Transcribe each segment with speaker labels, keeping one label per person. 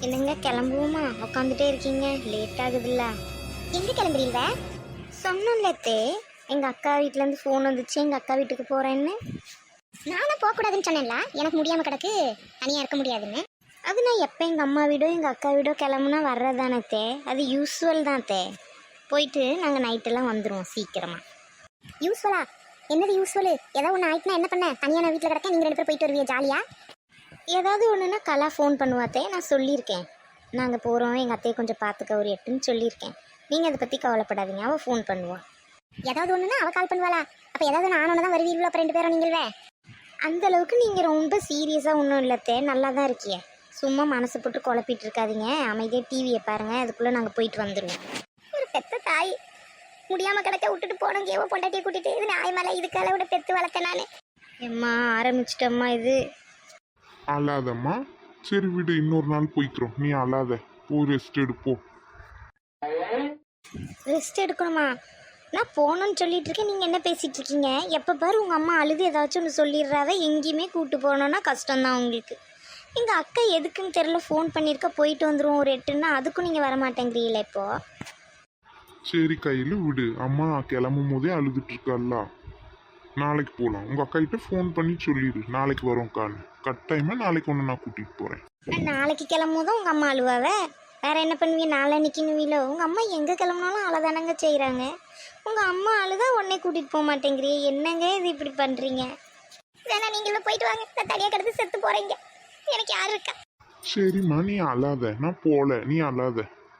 Speaker 1: என்னங்க கிளம்புவோமா? உட்காந்துட்டே இருக்கீங்க, லேட் ஆகுதுல்ல. எங்கே கிளம்புறீங்க? சொன்னோம்லத்தே, எங்கள் அக்கா வீட்டிலேருந்து ஃபோன் வந்துச்சு, எங்கள் அக்கா வீட்டுக்கு போகிறேன்னு. நானும் போகக்கூடாதுன்னு சொன்னேன்ல, எனக்கு முடியாமல் கிடக்கு, தனியாக இருக்க முடியாதுன்னு. அது நான் எப்போ எங்கள் அம்மா வீடோ எங்கள் அக்கா வீடோ கிளம்புனா வர்றதானத்தே, அது யூஸ்வல் தான் தே. போயிட்டு நாங்கள் நைட்டெல்லாம் வந்துடுவோம் சீக்கிரமாக. யூஸ்வலா? என்னது யூஸ்வலு? ஏதாவது ஒன்று ஆயிட்டுனா என்ன பண்ண? தனியாக நான் வீட்டில் கிடக்கேன், நீங்கள் 2 பேர் போயிட்டு வருவீங்க ஜாலியாக. ஏதாவது ஒன்றுனா கலா ஃபோன் பண்ணுவாத்தே, நான் சொல்லியிருக்கேன். நாங்கள் போகிறோம், எங்கள் அத்தையை கொஞ்சம் பார்த்துக்க ஒரு 8ன்னு சொல்லியிருக்கேன். நீங்கள் அதை பற்றி கவலைப்படாதீங்க, அவள் ஃபோன் பண்ணுவாள். ஏதாவது ஒன்றுனா அவள் கால் பண்ணுவாளா? அப்போ ஏதாவது நானோட தான் வருவீங்களோ அப்போ 2 பேரும் நீங்களே? அந்தளவுக்கு நீங்கள் ரொம்ப சீரியஸாக ஒன்றும் இல்லத்தே, நல்லா தான் இருக்கியே. சும்மா மனசு போட்டு குழப்பிட்டு இருக்காதீங்க, அமைதியாக டிவியை பாருங்கள், அதுக்குள்ளே நாங்கள் போயிட்டு வந்துடுவோம். ஒரு பெத்த தாய் முடியாமல் கிடக்க விட்டுட்டு போனோம், ஏவோ பொண்டாட்டியை கூட்டிகிட்டு. இது நாய் மேலே இதுக்கால விட பெற்று வளர்த்தேன் நான். எம்மா ஆரம்பிச்சிட்டம்மா இது.
Speaker 2: அழாதம்மா, சரி விடு, இன்னொரு நாள் போய்க்கிறோம், நீ அழாத, போய் ரெஸ்ட் எடுப்போம்.
Speaker 1: ரெஸ்ட் எடுக்கணுமா? நான் போகணும்னு சொல்லிட்டு இருக்கேன், நீங்கள் என்ன பேசிகிட்டு இருக்கீங்க? எப்போ பாரு உங்கள் அம்மா அழுது ஏதாச்சும் ஒன்று சொல்லிடுறாவ, எங்கேயுமே கூப்பிட்டு போகணுன்னா கஷ்டம்தான் உங்களுக்கு. எங்கள் அக்கா எதுக்குன்னு தெரில ஃபோன் பண்ணியிருக்க, போயிட்டு வந்துடுவோம் ஒரு 8ன்னா, அதுக்கும் நீங்கள் வரமாட்டேங்கிறீங்களே இப்போது.
Speaker 2: சரி கையில் விடு, அம்மா கிளம்பும் போதே அழுதுட்டு இருக்கல்ல, நாளைக்கு போகலாம். உங்கள் அக்கா கிட்ட ஃபோன் பண்ணி சொல்லிடு, நாளைக்கு வரோம்க்கான்னு. கட்டாயமாக நாளைக்கு ஒன்று நான் கூட்டிகிட்டு போகிறேன்.
Speaker 1: நாளைக்கு கிளம்பும் போதும் உங்கள் அம்மா அழுவாவே, வேறு என்ன பண்ணுவீங்க? நாளைக்குன்னுவீங்களோ? உங்கள் அம்மா எங்கே கிளம்புனாலும் அழதானங்க செய்கிறாங்க. உங்கள் அம்மா அழுதா உடனே கூட்டிகிட்டு போக மாட்டேங்கிறீ, என்னங்க இது இப்படி பண்ணுறீங்க? வேணா நீங்களும் போயிட்டு வாங்க, நான் தனியாக கிடந்து செத்து போகிறீங்க, எனக்கு யார் இருக்கா?
Speaker 2: சரிம்மா, நீ அழாத, நான் போகல, நீ அழாத.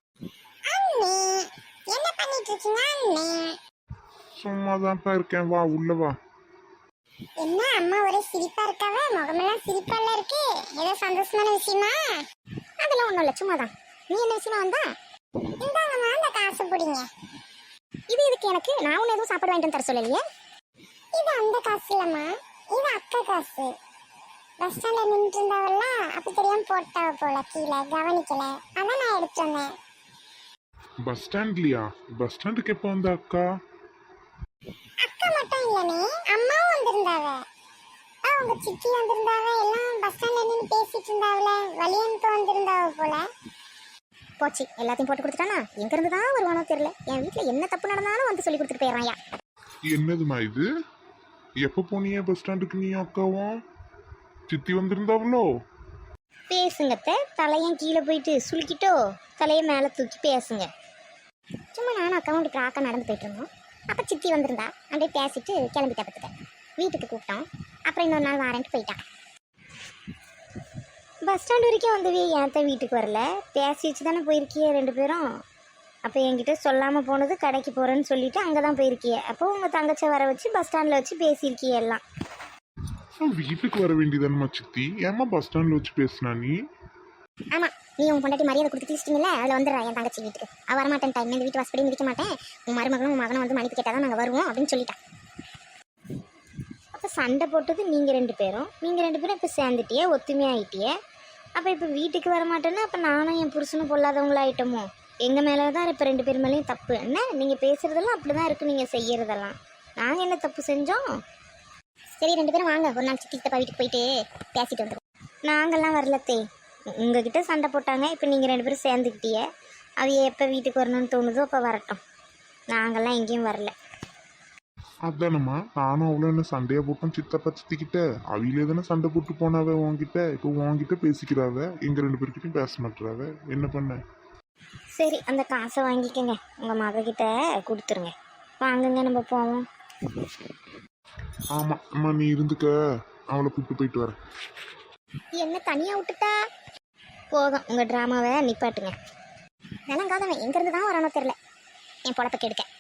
Speaker 1: என்ன பண்ணிட்டு இருக்கீங்க?
Speaker 2: சும்மா தான்ப்பா இருக்கேன், வா உள்ள வா.
Speaker 1: என்ன அம்மா ஒரே சிரிப்பா இருக்காவ, முகமெல்லாம் சிரிப்பால இருக்கு, ஏதோ சந்தோஷமான விஷயமா? அதெல்லாம் ஒண்ணும் இல்ல, சும்மாதான். நீ என்ன விஷயமா வந்தா? இந்தாங்கம்மா அந்த காசு பிடிங்க. இது இதுக்கு எனக்கு நான் ஒன்னும் எதுவும் சாப்பாடு வாங்கிட்டு தர சொல்லலையே. இது அந்த காசு இல்லம்மா, இது அக்கா காசு. பஸ் ஸ்டாண்ட்ல நின்று இருந்தாவல்ல, அப்ப தெரியாம போட்டா போல, கீழே கவனிக்கல, அதான் நான் எடுத்து வந்தேன்.
Speaker 2: பஸ் ஸ்டாண்ட்லையா? பஸ் ஸ்டாண்டுக்கு எப்போ வந்த அக்கா?
Speaker 1: அக்கா மட்டும் இல்லனே, அம்மாவும் வந்திருந்தாவ, அவங்க சித்தி வந்திருந்தாவ, எல்லாம் பஸ் ஸ்டாண்ட்ல நின்று பேசிட்டு இருந்தாவல, வலியனுக்கு வந்திருந்தாவ போல. போச்சு, எல்லாத்தையும் போட்டு கொடுத்துட்டானா? எங்க இருந்து தான் வருவானோ தெரியல. என் வீட்டுல என்ன தப்பு நடந்தாலும் வந்து சொல்லி கொடுத்துட்டு போயிடறாயா.
Speaker 2: என்னதுமா இது? எப்போ போனியே பஸ் ஸ்டாண்டுக்கு நீ அக்காவும்? சித்தி வந்திருந்தாவளோ?
Speaker 1: பேசுங்கத்த, தலையன் கீழே போயிட்டு சுளுக்கிட்டோ தலையை மேலே தூக்கி பேசுங்க. சும்மா நானும் அக்காவும் கிராக்கா நடந்து போயிட்டு இருந்தோம். அப்போ சித்தி வந்திருந்தா, அப்படியே பேசிட்டு கிளம்பிட்டா பத்துக்க. வீட்டுக்கு கூப்பிட்டோம், அப்புறம் இன்னொரு நாள் வாரன்ட்டு போயிட்டான். பஸ் ஸ்டாண்ட் வரைக்கும் வந்தவே ஏன் வீட்டுக்கு வரல? பேசி வச்சு தானே போயிருக்கிய 2 பேரும். அப்போ என்கிட்ட சொல்லாமல் போனது கடைக்கு போகிறேன்னு சொல்லிட்டு அங்கே தான் போயிருக்கிய. அப்போ உங்கள் தங்கச்சை வர வச்சு பஸ் ஸ்டாண்டில் வச்சு பேசியிருக்கிய எல்லாம்.
Speaker 2: வீட்டுக்கு வர வேண்டியதானம்மா சித்தி, ஏமா பஸ் ஸ்டாண்டில் வச்சு பேசினா நீ?
Speaker 1: ஆமாம், நீ உன் பொண்டாட்டி மரியாதை கொடுத்து தீச்சிட்டிங்களே, அதில் வந்துடுறா என் தங்கச்சி வீட்டுக்கு. அவள் வரமாட்டேன், டைம் இந்த வீட்டு வாசப்படி மிதிக்க மாட்டேன், உன் மருமகனும் உன் மகனும் வந்து மன்னிப்பு கேட்டால் தான் நாங்கள் வருவோம் அப்படின்னு சொல்லிட்டான். அப்போ சண்டை போட்டது நீங்கள் 2 பேரும், நீங்கள் 2 பேரும் இப்போ சேர்ந்துட்டியே, ஒத்துமையாயிட்டியே. அப்போ இப்போ வீட்டுக்கு வரமாட்டேன்னா அப்போ நானும் என் புருஷனும் பொல்லாதவங்களாயிட்டோமோ? எங்கள் மேலே தான் இப்போ 2 பேர் மேலேயும் தப்பு. என்ன நீங்கள் பேசுகிறதெல்லாம் அப்படி தான் இருக்குது, நீங்கள் செய்கிறதெல்லாம். நாங்கள் என்ன தப்பு செஞ்சோம்? சரி 2 பேரும் வாங்க, ஒரு நாள் சித்தி தப்பா வீட்டுக்கு போயிட்டு பேசிட்டு வந்துடும். நாங்கள்லாம் வரலத்தே, உங்ககிட்ட சண்டை போட்டாங்க, இப்போ நீங்கள் 2 பேரும் சேர்ந்துக்கிட்டிய. அவைய எப்போ வீட்டுக்கு வரணும்னு தோணுதோ அப்போ வரட்டும், நாங்கள்லாம் எங்கேயும் வரல.
Speaker 2: அதானம்மா, நானும் அவ்வளோ என்ன சண்டையா போட்டோம் சித்தப்பா சித்திக்கிட்ட, அவையிலே தானே சண்டை போட்டு போனாவ உன்கிட்ட. இப்போ உன்கிட்ட பேசிக்கிறாவ, எங்கள் 2 பேர்கிட்டையும் பேச மாட்டுறாவ, என்ன பண்ண? சரி, அந்த காசை வாங்கிக்கங்க, உங்கள் மகக்கிட்ட கொடுத்துருங்க. வாங்குங்க, நம்ம போவோம். ஆமாம் அம்மா, நீ இருந்துக்க, அவளை கூப்பிட்டு போயிட்டு வரேன்.
Speaker 1: என்ன தனியாக விட்டுட்டா? போதும், உங்கள் ட்ராமாவை நிப்பாட்டுங்க. நிலங்காதவன் எங்கேருந்து தான் வரானோ தெரில, என் பொழப்ப கெடுக்க.